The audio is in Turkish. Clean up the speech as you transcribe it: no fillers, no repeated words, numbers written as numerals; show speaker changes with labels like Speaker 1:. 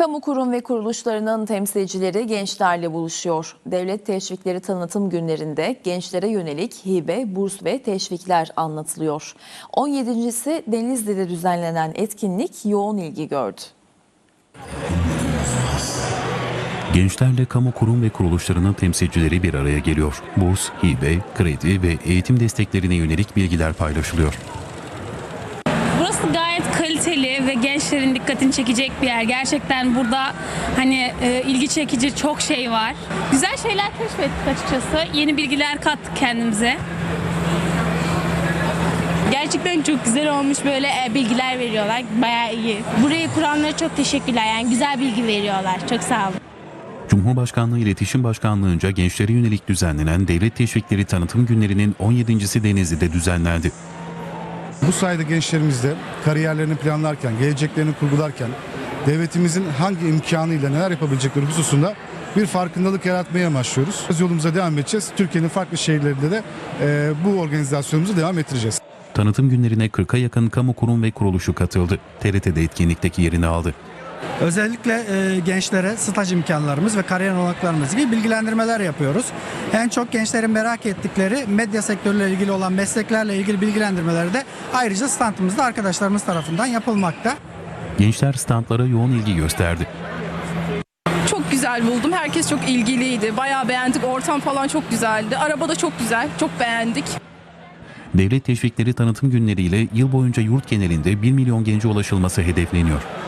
Speaker 1: Kamu kurum ve kuruluşlarının temsilcileri gençlerle buluşuyor. Devlet Teşvikleri Tanıtım Günlerinde gençlere yönelik hibe, burs ve teşvikler anlatılıyor. 17.si Denizli'de düzenlenen etkinlik yoğun ilgi gördü.
Speaker 2: Gençlerle kamu kurum ve kuruluşlarının temsilcileri bir araya geliyor. Burs, hibe, kredi ve eğitim desteklerine yönelik bilgiler paylaşılıyor.
Speaker 3: Burası gayet kaliteli ve gençlerin dikkatini çekecek bir yer. Gerçekten burada ilgi çekici çok şey var. Güzel şeyler keşfettik açıkçası. Yeni bilgiler kattık kendimize.
Speaker 4: Gerçekten çok güzel olmuş, böyle bilgiler veriyorlar. Bayağı iyi. Burayı kuranlara çok teşekkürler. Yani güzel bilgi veriyorlar. Çok sağ olun.
Speaker 2: Cumhurbaşkanlığı İletişim Başkanlığı'nca gençlere yönelik düzenlenen Devlet Teşvikleri Tanıtım Günlerinin 17.si Denizli'de düzenlendi.
Speaker 5: Bu sayede gençlerimiz de kariyerlerini planlarken, geleceklerini kurgularken devletimizin hangi imkanıyla neler yapabilecekleri hususunda bir farkındalık yaratmaya amaçlıyoruz. Yolumuza devam edeceğiz. Türkiye'nin farklı şehirlerinde de bu organizasyonumuzu devam ettireceğiz.
Speaker 2: Tanıtım günlerine 40'a yakın kamu kurum ve kuruluşu katıldı. TRT'de etkinlikteki yerini aldı.
Speaker 6: Özellikle gençlere staj imkanlarımız ve kariyer olanaklarımız gibi bilgilendirmeler yapıyoruz. En çok gençlerin merak ettikleri medya sektörüyle ilgili olan mesleklerle ilgili bilgilendirmeleri de ayrıca standımızda arkadaşlarımız tarafından yapılmakta.
Speaker 2: Gençler standlara yoğun ilgi gösterdi.
Speaker 7: Çok güzel buldum. Herkes çok ilgiliydi. Bayağı beğendik. Ortam falan çok güzeldi. Araba da çok güzel. Çok beğendik.
Speaker 2: Devlet Teşvikleri Tanıtım Günleri ile yıl boyunca yurt genelinde 1 milyon gence ulaşılması hedefleniyor.